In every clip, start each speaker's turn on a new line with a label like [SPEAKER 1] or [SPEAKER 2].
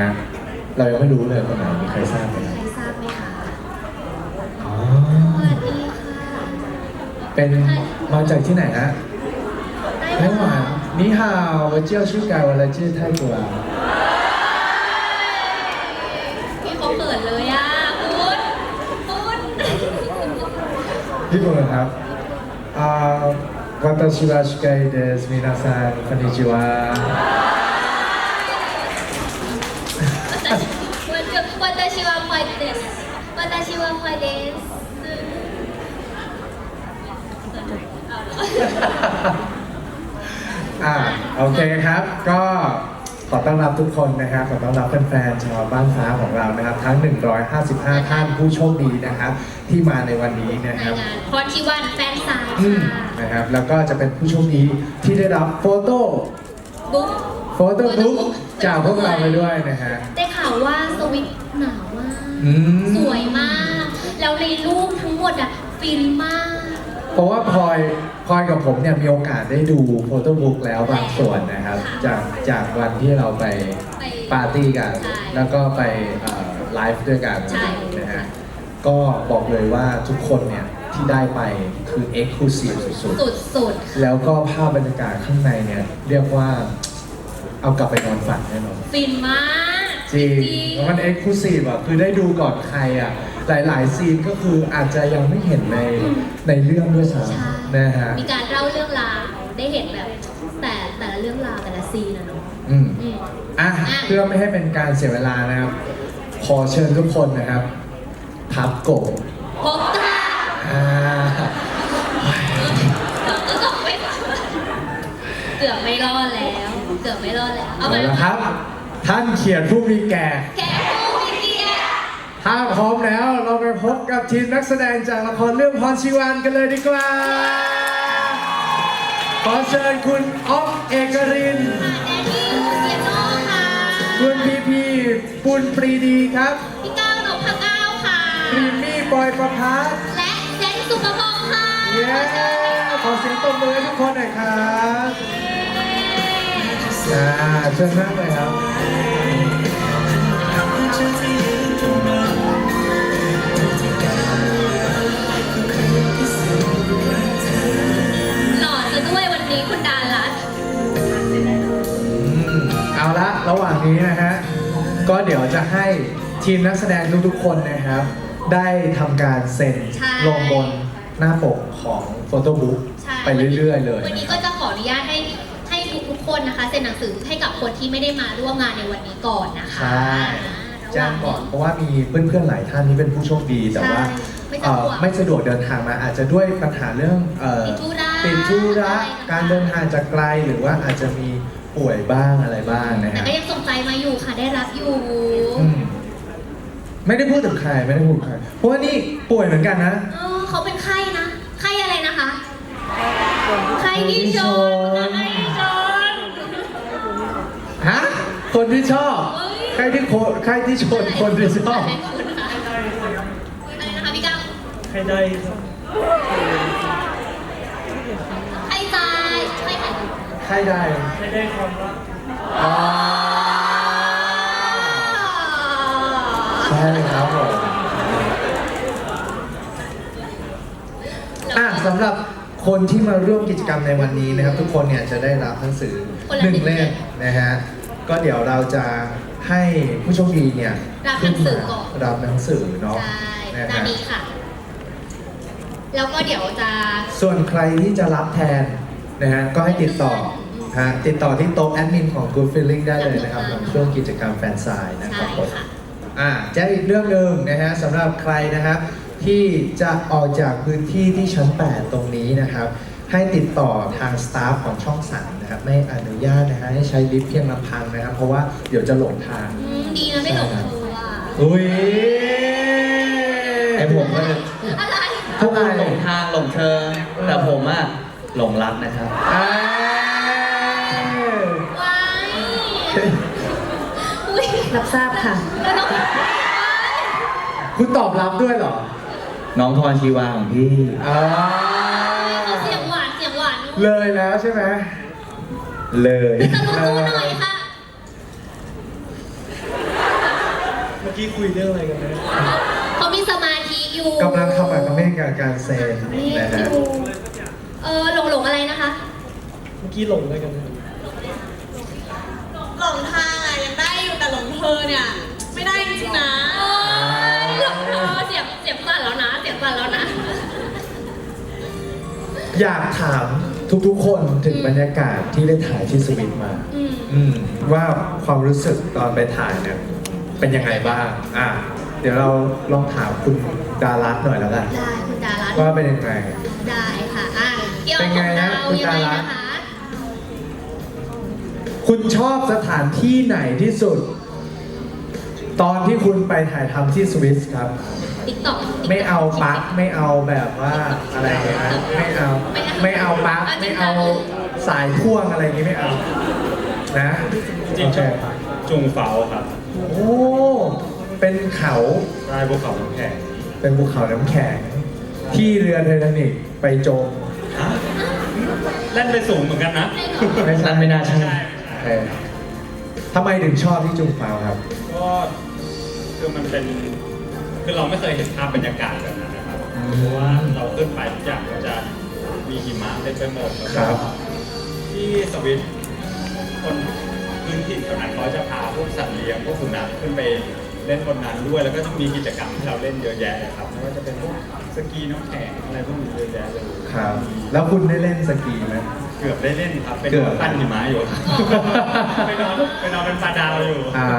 [SPEAKER 1] ะเรายังไม่รู้เลยคนไหนมีใครทราบไหม
[SPEAKER 2] ใครทราบไหมคะ
[SPEAKER 1] อ๋อ
[SPEAKER 2] สวัสดีค่ะ
[SPEAKER 1] เป็นมาจากที่ไหนฮะไต้หวัน นี่ฮาว我叫ชื่อกายวันละชื่อไทยกัว
[SPEAKER 2] พี่เขาเปิดเลยอ่ะคุณ
[SPEAKER 1] ญี่ปุ่นครับ私は司会です皆さんこんにちは
[SPEAKER 2] 私はファイです私はファイです
[SPEAKER 1] โอเคครับ ก็ขอต้อนรับทุกคนนะครับขอต้อนรับแฟนๆชาวบ้านฟ้าของเรานะครับทั้ง 155 ท่านผู้โชคดีนะครับ ที่มาในวันนี้นะ
[SPEAKER 2] ใน
[SPEAKER 1] ครับ
[SPEAKER 2] งานพรชีวันแฟนซาย ค่ะ
[SPEAKER 1] นะครับแล้วก็จะเป็นผู้โชคดีที่ได้รับโฟโต้
[SPEAKER 2] บุ๊ก
[SPEAKER 1] บุ๊กจากพวกเราไปด้วยนะฮะ
[SPEAKER 2] ได้ข่าวว่าสวิตหนาวมาก สวยมาก แล้วในรูปทั้งหมดอ่ะฟินมาก
[SPEAKER 1] เพราะว่าพลอยกับผมเนี่ยมีโอกาสได้ดูโฟโต้บุ๊กแล้วบางส่วนนะครับ จากวันที่เราไปปาร์ตี้กัน แล้วก็ไปไลฟ์ด้วยกันนะฮะก็บอกเลยว่าทุกคนเนี่ยที่ได้ไปคือ Exclusive สุดๆแล้วก็ภาพบรรยากาศข้างในเนี่ยเรียกว่าเอากลับไปนอนฝันแน่นอน
[SPEAKER 2] ฟินมาก
[SPEAKER 1] จริงมัน Exclusive อ่ะคือได้ดูก่อนใครอ่ะหลายๆซีนก็คืออาจจะยังไม่เห็นในเรื่องด้วยซ้ำนะฮะ
[SPEAKER 2] มีการเล่าเรื่องราวได้เห็นแบบแต่ละเรื่องราวแต่ละซีนนะเนาะ
[SPEAKER 1] เพื่อไม่ให้เป็นการเสียเวลานะครับ ขอเชิญทุกคนนะครับพับโกะ
[SPEAKER 2] พบกันก็ต้องไปเกือบไม่รอดแล้วเกือบไม่รอดแล้วเอา
[SPEAKER 1] เอา
[SPEAKER 2] มา
[SPEAKER 1] ละครับ ท่านเขียนผู้มีแก่
[SPEAKER 2] แกผู้มีเกียรติ
[SPEAKER 1] ถ้าพร้อมแล้วเราไปพบกับทีมนักแสดงจากละครเรื่องพรชีวันกันเลยดีกว่า ขอเชิญคุณอ๊อฟเอกรินทร์
[SPEAKER 2] แดนนี่เสียโน่ค่ะ
[SPEAKER 1] คุณพีปุณปรีดีครับ
[SPEAKER 2] พี่ก้าวนพก้าวค่ะ
[SPEAKER 1] พรีมมี่บอยประพัฒน์
[SPEAKER 2] และเซนสุภพงศ์ค่ะ
[SPEAKER 1] เย้ขอเสียงตบมือให้ทุกคนหน่อยครับเชิญนั่งเลยครับ
[SPEAKER 2] หล่อซะด้วยวันนี้คุณดารัตน์
[SPEAKER 1] เอาละระหว่างนี้นะฮะก็เดี๋ยวจะให้ทีมนักแสดงทุกๆคนนะครับ ได้ทำการเซ็นลงบนหน้าปกของโฟโต้บุ๊กไปเรื่อยๆเลย
[SPEAKER 2] วันนี้ก็จะขออนุญาตให้ทุกคนนะคะเซ็นหนังสือให้กับคนที่ไม่ได้มาร่วมงานในวันนี้ก่อนนะคะ
[SPEAKER 1] ใช่แจ้งก่อนเพราะว่ามีเพื่อนๆหลายท่านที่เป็นผู้โชคดีแต่ว่าไม่สะดวกเดินทางมาอาจจะด้วยปัญหาเรื่องติดธุระการเดินทางจากไกลหรือว่าอาจจะมีป่วยบ้างอะไรบ้างนะ
[SPEAKER 2] แต่
[SPEAKER 1] ฮะ
[SPEAKER 2] ก็ยังส่งใจมาอยู่ค่ะได้รับอยู่
[SPEAKER 1] ไม่ได้พูดถึงใครไม่ได้พูดถึงใครเพราะว่านี่ป่วยเหมือนกันนะ
[SPEAKER 2] เขาเป็นไข้นะไข้อะไรนะคะไข้ที่ชนไข้ที่ชน
[SPEAKER 1] ฮะคนที่ชอบใครที่ชนคนที่ชอบ
[SPEAKER 2] อะไรนะคะพี่ก้าว
[SPEAKER 3] ใครได้ครับ
[SPEAKER 2] ไข้ตายไข้ไข้
[SPEAKER 1] ใครได้
[SPEAKER 3] ใครได้ความรัก
[SPEAKER 1] ใช่ครับผมสำหรับคนที่มาร่วมกิจกรรมในวันนี้นะครับ ทุกคนเนี่ยจะได้รับหนังสือ1 เล่มนะฮะก็เดี๋ยวเราจะให้ผู้โชคดีเนี่ย
[SPEAKER 2] รับหนังสือก่อน
[SPEAKER 1] รับหนังสือเนาะ
[SPEAKER 2] ใช่
[SPEAKER 1] นะ
[SPEAKER 2] ด้า
[SPEAKER 1] ฮะ
[SPEAKER 2] นนี้ค่ะ แล้วก็เดี๋ยวจะ
[SPEAKER 1] ส่วนใครที่จะรับแทนนะฮะก็ให้ติดต่อติดต่อที่โต๊ะแอดมินของ Good Feeling ได้เลยนะครับในช่วงกิจกรรมแฟนไซน์นะครับผม
[SPEAKER 2] ค่ะ
[SPEAKER 1] แจ้งอีกเรื่องหนึ่งนะฮะสำหรับใครนะครับที่จะออกจากพื้นที่ที่ชั้น 8 ตรงนี้นะครับ ให้ติดต่อทางสตาฟของช่อง 3 นะครับไม่อนุญาตนะฮะให้ใช้ลิฟต์เพียงลำพังนะครับ เพราะว่าเดี๋ยวจะหลงทาง
[SPEAKER 2] ดีนะไม่หลงตัว
[SPEAKER 1] อุ้ย
[SPEAKER 4] ไอผมก็จะ
[SPEAKER 2] อะไร
[SPEAKER 4] ทุกคนหลงทางหลงเชิงแต่ผมอะหลงรักนะครับ
[SPEAKER 2] ว้ายอุ้ย
[SPEAKER 5] รับทราบค่ะ
[SPEAKER 2] แล้วน้อง
[SPEAKER 1] คุณตอบรับด้วยเหรอ
[SPEAKER 4] น้องทรชีวาของพี่
[SPEAKER 2] เขาเสียงหวาน
[SPEAKER 1] เลยแล้วใช่ไหม
[SPEAKER 4] เลย
[SPEAKER 2] จะรู้หน่อยค่ะ
[SPEAKER 3] มื่อกี้คุยเรื่องอะไรกันนะ
[SPEAKER 2] เขามีสมาธิอยู่
[SPEAKER 1] กำลังทำกับเมฆกับการเซนนะฮะ
[SPEAKER 2] หลงอะไรนะคะ
[SPEAKER 3] เมื่อกี้หลงอะไรกันนะ
[SPEAKER 5] หลงทางอะยังได้อยู่แต่หลงเธอเนี่ยไม่ได้จริงๆนะ
[SPEAKER 2] หลงเสียบสั่นแล้วนะ เสียบสั่นแล้วนะ
[SPEAKER 1] อยากถามทุกๆคนถึงบรรยากาศที่ได้ถ่ายที่สวิตมา ว่าความรู้สึกตอนไปถ่ายเนี่ยเป็นยังไงบ้างเดี๋ยวเราลองถามคุณดารัตน์หน่อยแล้วกัน
[SPEAKER 2] ได้คุณดารัตน์
[SPEAKER 1] ว่าเป็นยังไง
[SPEAKER 2] ได้ค่ะเกี่ยว
[SPEAKER 1] เป็น
[SPEAKER 2] กับ
[SPEAKER 1] ไงนะ
[SPEAKER 2] เรา
[SPEAKER 1] คุณ
[SPEAKER 2] ยัง
[SPEAKER 1] ดา
[SPEAKER 2] ไง
[SPEAKER 1] รัตน์
[SPEAKER 2] นะคะ
[SPEAKER 1] คุณชอบสถานที่ไหนที่สุด ตอนที่คุณไปถ่ายทำที่สวิสครับ
[SPEAKER 2] ติ๊กต็อก
[SPEAKER 1] ไม่เอาปลั๊กไม่เอาแบบว่าอะไรนะไม่เอาปลั๊กไม่เอาสายพ่วงอะไรอย่างงี้ไม่เอานะ
[SPEAKER 6] จริงๆชอบ
[SPEAKER 1] โอเค
[SPEAKER 6] จุงเฝาครับ
[SPEAKER 1] โอ้เป็นเขา
[SPEAKER 6] ใต้ภูเขาน้ำแข็ง
[SPEAKER 1] เป็นภูเขาน้ำแข็ง ที่เรือไททานิกไปจม
[SPEAKER 6] เล่นไปสูงเหมือนกันนะ
[SPEAKER 1] ไม่ใช่
[SPEAKER 4] นั่นไม่น่าใช่
[SPEAKER 1] โอเคทำไมถึงชอบที่จุงฟาวครับ
[SPEAKER 6] ก็คือมันเป็นคือเราไม่เคยเห็นภาพบรรยากาศแบบนั้นนะครับเพราะว่าเราขึ้นไปทุกอย่างก็จะมีหิมะเต็มไปหมดแล้ว
[SPEAKER 1] ครั
[SPEAKER 6] ก็
[SPEAKER 1] บ
[SPEAKER 6] ที่สวิตคนพื้นที่แถวนั้นเขาจะพาพวกสัตว์เลี้ยงพวกสุนัขขึ้นไปเล่นบนนั้นด้วย แล้วก็จะมีกิจกรรมที่เราเล่นเยอะแยะเลยครับไม่ว่าจะเป็นพวกสกีน้ำแข็งอะไรพวกนี้เยอะแยะเลย
[SPEAKER 1] ครับ แล้วคุณได้เล่นสกีไหม
[SPEAKER 6] เกือบได้เล่นครับเป็น
[SPEAKER 1] เกือบ
[SPEAKER 6] ปั้นหิมะอยู่ครับไปนอนเป็นปลาดาวอยู่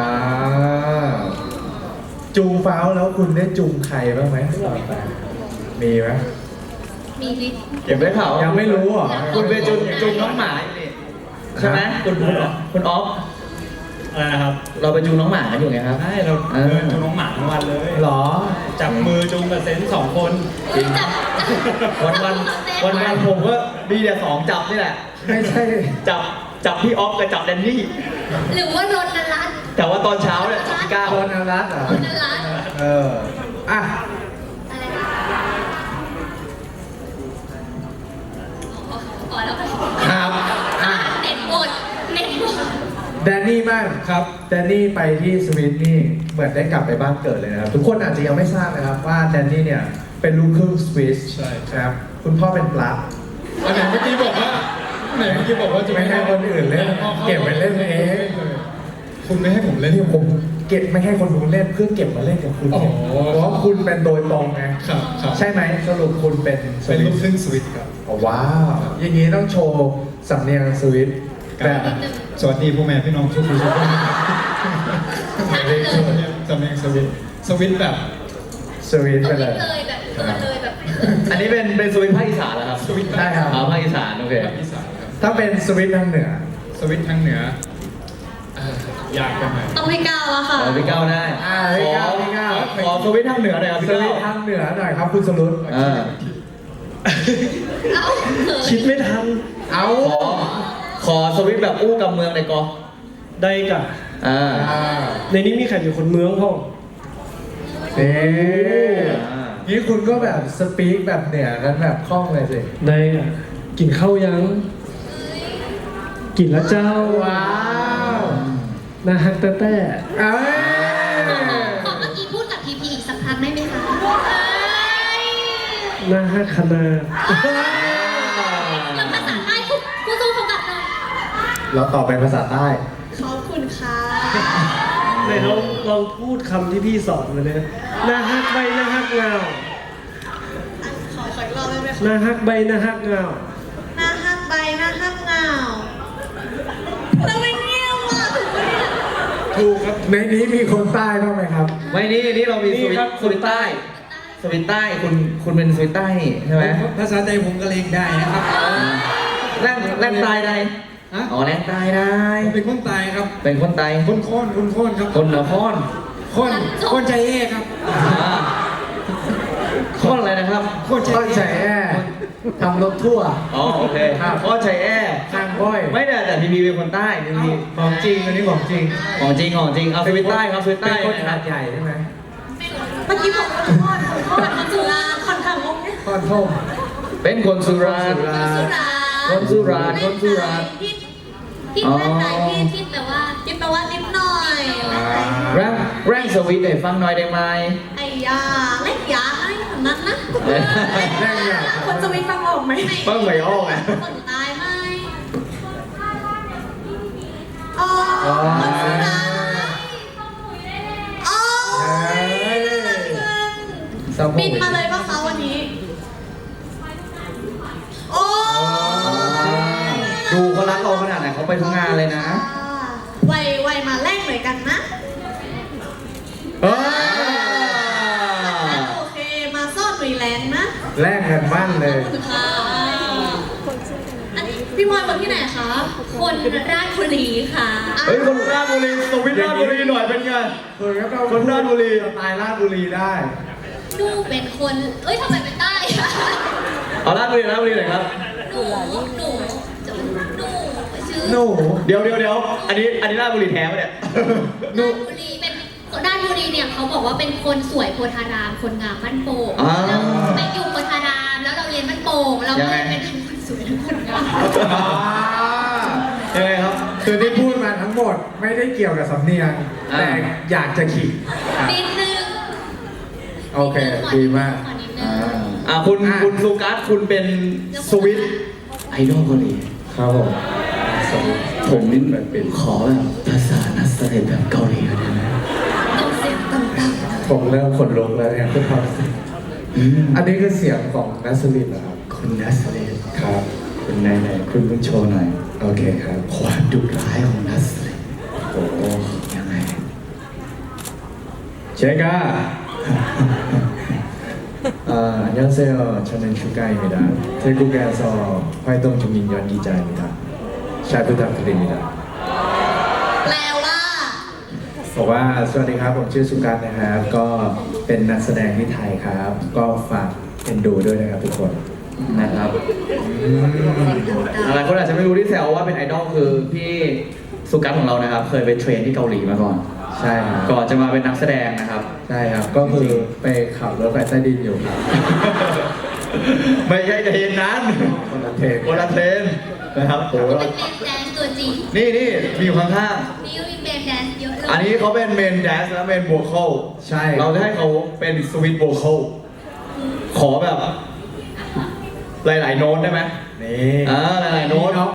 [SPEAKER 1] จูงฟ้าวแล้วคุณได้จูงใครบ้างไหมมีไหม
[SPEAKER 2] มีลิสต์
[SPEAKER 4] เก็บไว้เขา
[SPEAKER 1] ยั
[SPEAKER 4] ยัง
[SPEAKER 1] ไม่รู้เหรอ
[SPEAKER 4] คุณไปจุงน้องหมาอยู่นี่ใช่ไหมคุณออฟ
[SPEAKER 6] อะไรนะครับ
[SPEAKER 4] เราไปจูงน้องหมากันอยู่ไงครับ
[SPEAKER 6] ใช่เราเดินจูงน้องหมาทั้งวันเลย
[SPEAKER 1] หรอ
[SPEAKER 6] จับมือจูงกับเซนสองคน
[SPEAKER 2] จับ
[SPEAKER 4] วันผมก็มีแต่สองจับนี่แหละ
[SPEAKER 1] ไม่ใช่
[SPEAKER 4] จับพี่ออฟกับจับแดนนี่
[SPEAKER 2] หรือว่ารถนันรัตน์
[SPEAKER 4] แต่ว่าตอนเช้าเนี่ยจับพี่ก้าว
[SPEAKER 1] โคนอรัตน์เหรอ
[SPEAKER 2] นันรัตน์
[SPEAKER 1] อ่ะ
[SPEAKER 2] อะไรนะอ๋อแล้วก็
[SPEAKER 1] ครับ
[SPEAKER 2] เน็ตหมด
[SPEAKER 1] แดนนี่บ้างครับแดนนี่ไปที่สวิตนี่เหมือนได้กลับไปบ้านเกิดเลยนะครับ ทุกคนอาจจะยังไม่ทราบนะครับว่าแดนนี่เนี่ยเป็นลูกครึ่งสวิส
[SPEAKER 3] ใช่
[SPEAKER 1] ครับคุณพ่อเป็นปลั๊ก
[SPEAKER 3] อันไหนเมื่อกี้บอกว่าจะ
[SPEAKER 1] ไม่ให้คนอื่นเล่นเก็บไปเล่นเอง
[SPEAKER 3] คุณไม่ให้ผมเล่น
[SPEAKER 1] ที่ผมเก็บไม่ให้คนอื่นเล่นเพื่อเก็บมาเล่นกับคุณ
[SPEAKER 3] อ๋อ
[SPEAKER 1] เพราะคุณเป็นโดยตรงไง
[SPEAKER 3] ครับครับ
[SPEAKER 1] ใช่ไหมสรุปคุณเป็นส
[SPEAKER 3] เป็น
[SPEAKER 1] วิ
[SPEAKER 3] ลู
[SPEAKER 1] ต
[SPEAKER 3] กครึ่งสวิตครับ
[SPEAKER 1] อ๋อว้าวอย่างนี้ต้องโชว์สำเนียงสวิตแบบ
[SPEAKER 3] สวัสดีพ่อแม่พี่น้องทุกคนทุกคนนะครับ
[SPEAKER 2] ชัดเลย
[SPEAKER 3] สำเนียงสวิตสวิตแบบ
[SPEAKER 1] สวิต
[SPEAKER 2] ส
[SPEAKER 1] ไป
[SPEAKER 2] วิ
[SPEAKER 1] เล
[SPEAKER 2] ต
[SPEAKER 1] ย
[SPEAKER 2] เลยแบบเปิดเลยแบบ
[SPEAKER 4] อันนี้เป็นสวิตภาคอีสานเหรอครับ
[SPEAKER 3] สวิต
[SPEAKER 1] ได้ครับ
[SPEAKER 4] อ๋อภาคอีสานโอเค
[SPEAKER 3] อีสานครับ
[SPEAKER 1] ถ้าเป็นสวิตทางเหนือ
[SPEAKER 3] สวิตทางเหนืออ่ายากกันหน่อย
[SPEAKER 5] ต้องพี่ก้าวแล้วค่ะ
[SPEAKER 4] ขอพี่ก้าวได้
[SPEAKER 1] พี่ก้าวพี่ก้าว
[SPEAKER 4] ขอสวิตทางเหนือหน่อยครับ
[SPEAKER 1] ส
[SPEAKER 4] พี่
[SPEAKER 1] วิ
[SPEAKER 4] ก้า
[SPEAKER 1] ต
[SPEAKER 4] ว
[SPEAKER 1] ทางเหนือหน่อยครับคุณสรุป
[SPEAKER 4] อ่า
[SPEAKER 2] เอ้าเขิน
[SPEAKER 3] คิดไม่ทัน
[SPEAKER 1] เอา
[SPEAKER 4] ขอสวิตแบบอู้กับเมืองในอยกอ
[SPEAKER 3] ได้กะ
[SPEAKER 4] อ่า
[SPEAKER 3] ในนี้มีใครอยู่คนเมืองพ่อ
[SPEAKER 1] นี่คุณก็แบบสปีกแบบเหนือกันแบบคล่องเลยสิ
[SPEAKER 3] ได้อ่ะกินข้าวยัง กินแล้วเจ้า
[SPEAKER 1] ว้าว
[SPEAKER 3] นาฮักแต่แต่
[SPEAKER 1] เอ้ย
[SPEAKER 2] ขอเมื่อกี้พูดกับพีพีอีกสักครั้งได้ไหมคะเอ้ย
[SPEAKER 3] นาฮักคณา
[SPEAKER 2] แล้วภาษาใต้คุณสู้เขากลับหน่อย
[SPEAKER 1] เราตอบเป็นภาษาใต้
[SPEAKER 5] ขอบคุณค่ะ
[SPEAKER 3] ไหนลองพูดคำที่พี่สอนมาเลยนะนาฮักใบนาฮักเงา
[SPEAKER 5] ขออีกรอบได้ไหมคะ
[SPEAKER 3] นาฮักใบนาฮักเงา
[SPEAKER 5] หน้าฮักใบหน้าฮักเงาแล้วไม่เงี้ยวอ่ะถูกไหมเนี่ย
[SPEAKER 3] ถูกครับ
[SPEAKER 1] ในนี้มีคนใต้บ้างไหมครับ
[SPEAKER 4] ไม่นี่เรามีสวิ
[SPEAKER 3] นี่
[SPEAKER 4] ต
[SPEAKER 3] ครับ
[SPEAKER 4] สวิตใต้สวิตใต้คุณเป็นสวิตใต้นี่ใช่ไหม
[SPEAKER 3] ภาษาไทยผมก็เล่นได้นะครับ
[SPEAKER 4] แล่นใต้ได้
[SPEAKER 3] ฮะ
[SPEAKER 4] อ๋อแล่นใต้ได้
[SPEAKER 3] ผมเป็นคนตายครับ
[SPEAKER 4] เป็นคนใต้
[SPEAKER 3] คนโค่นครับ
[SPEAKER 4] คนเหนือค้อน
[SPEAKER 3] คนใจเอ้ครับ
[SPEAKER 4] อ่าค้อนอะไรนะครับ
[SPEAKER 3] คนใจ
[SPEAKER 1] ต้น
[SPEAKER 3] เอ้
[SPEAKER 1] แฉทำรถทั่ว
[SPEAKER 4] อ๋อโอเคค้อนชัยแอ
[SPEAKER 1] ข้างก้อย
[SPEAKER 4] ไม่แต่พีพีเป็นคนใต้พีพี
[SPEAKER 1] ของจริงอันนี้ของจริง
[SPEAKER 4] ของจริงเอาสวิตใต้ครับสวิต
[SPEAKER 1] เป็
[SPEAKER 4] ใต้
[SPEAKER 1] นคน
[SPEAKER 4] นะค
[SPEAKER 1] ขา
[SPEAKER 4] รับ
[SPEAKER 1] ดใหญ่ใช่ไหม
[SPEAKER 5] เมื่อกี้บอกว่าคนจุฬาคนทางงงเนี่ย
[SPEAKER 1] ก้อนท่ม
[SPEAKER 4] เป็นคนสุราษฎร์ คนสุราษฎร์คนสุราษฎร์
[SPEAKER 2] ทิศแม่ไหนทิศแปลว่า
[SPEAKER 5] คิดแปลว่านิดหน่อย
[SPEAKER 4] แรปแรงสวิตให้ฟังหน่อยได้ไหม
[SPEAKER 5] ไอ้ยาเล็กยาไอ้คนนั้นนะ
[SPEAKER 1] แรงอยาก
[SPEAKER 5] คนสวิตฟังออกไหม
[SPEAKER 4] ฟังไม่ออกไง
[SPEAKER 5] คนตายไหมอ๋อคนสุดท้ายอ๋อ บินมาเลยป่ะคะวันนี้ โอ้
[SPEAKER 4] ดูเขารักเราขนาดไหนเขาไปทุกงานเลยนะ
[SPEAKER 5] ไวมาแลกหน่อยกันนะ
[SPEAKER 1] เอ้ย
[SPEAKER 5] โอเค มาซ่อนรีแลนด์นะ
[SPEAKER 1] แลกกันมั่นเลย
[SPEAKER 5] ค่ะอันนี้พี่พลอยคนที่ไหนคะ
[SPEAKER 2] คนราชบุรีค่ะ
[SPEAKER 4] เฮ้ยคนราชบุรีสวิตราชบุรีหน่อยเป็นไง คนราชบุรี
[SPEAKER 1] สไตล์ราชบุรีได้
[SPEAKER 2] ดูเป็นคน เอ้ยทำไมเป็นใต้
[SPEAKER 4] เอาราชบุรีราชบุรีหน่อยครับ
[SPEAKER 2] หนูชื่อ
[SPEAKER 1] หนู
[SPEAKER 4] เดี๋ยวอันนี้ราชบุรีแท้ปะเนี่ย
[SPEAKER 2] ราชบุรีเป็นราชบุรีเนี่ยเขาบอกว่าเป็นคนสวยโพธาราม คนงามบ้านโป่ง
[SPEAKER 4] อ่า
[SPEAKER 2] แล้วไปอยู่โพธารามแล้วเราเรียนบ้านโป่งเราก็เลยเป็นทั้งคนสวยทั้งคนงาม
[SPEAKER 4] ยังไงครับ
[SPEAKER 1] คือที่พูดมาทั้งหมดไม่ได้เกี่ยวกับสำเนียง แต่อยากจะขิงอ่ะ
[SPEAKER 2] นิดนึง
[SPEAKER 1] โอเค ดีมาก
[SPEAKER 2] ขอนิดนึง
[SPEAKER 4] คุณซูกัสคุณเป็นสวิตไอดอลเกาหลี
[SPEAKER 1] ครับผม
[SPEAKER 4] ผมนี่แบบเป็นขอแบบภาษานักแสดงแบบเกาหลีได้ไหม
[SPEAKER 2] ต้องเสียงต่ำ
[SPEAKER 1] ผมเริ่มขนลุกแล้วเนี่ยคือความอันนี้คือเสียงของนัสลินเหรอครับ
[SPEAKER 4] คุณนัสเลน
[SPEAKER 1] ครับ
[SPEAKER 4] คุณไหนคุณเพิ่งโชว์หน่อย
[SPEAKER 1] โอเคครับ
[SPEAKER 4] ความดุร้ายของนัสเลน
[SPEAKER 1] โอ้โห
[SPEAKER 4] ยังไง
[SPEAKER 1] 제가 안녕하세요. 저는 슈가입니다. 태국에서 활동 중인 연기자입니다. 잘 부탁드립니다.
[SPEAKER 5] แปลว่า
[SPEAKER 1] บอกว่าสวัสดีครับผมชื่อสุกัสนะครับ ก็เป็นนักแสดงที่ไทยครับ ก็ฝากเอ็นดูด้วยนะครับทุกคน
[SPEAKER 4] นะครับหลายคนอาจจะไม่รู้ที่แซวว่าเป็นไอดอลคือพี่สุกัสของเรานะครับ เคยไปเทรนที่เกาหลีมาก่อน
[SPEAKER 1] ใช่ครับ
[SPEAKER 4] ก่อนจะมาเป็นนักแสดงนะครับ
[SPEAKER 1] ใช่ครับ ก็คือไปขับรถไฟใต้ดินอยู่ครับ
[SPEAKER 4] ไม่ใช่เทรนนั้น
[SPEAKER 1] คนละเทป
[SPEAKER 4] คนละเทรนนะครับโอ้
[SPEAKER 2] ๆ
[SPEAKER 4] โห
[SPEAKER 2] เป็นเมนแดนซ์ตัวจริง
[SPEAKER 4] นี่มีอยู่ข้าง
[SPEAKER 2] นี่มีเมนแดนซ์เยอะเลย
[SPEAKER 4] ๆอันนี้เขาเป็นเมนแดนซ์และเมนโวคอล
[SPEAKER 1] ใช่
[SPEAKER 4] เราจะให้เขาเป็นสวิตโวคอลขอแบบ หลายๆโน้ตได้ไหม
[SPEAKER 1] นี่
[SPEAKER 4] หลายๆโน้ต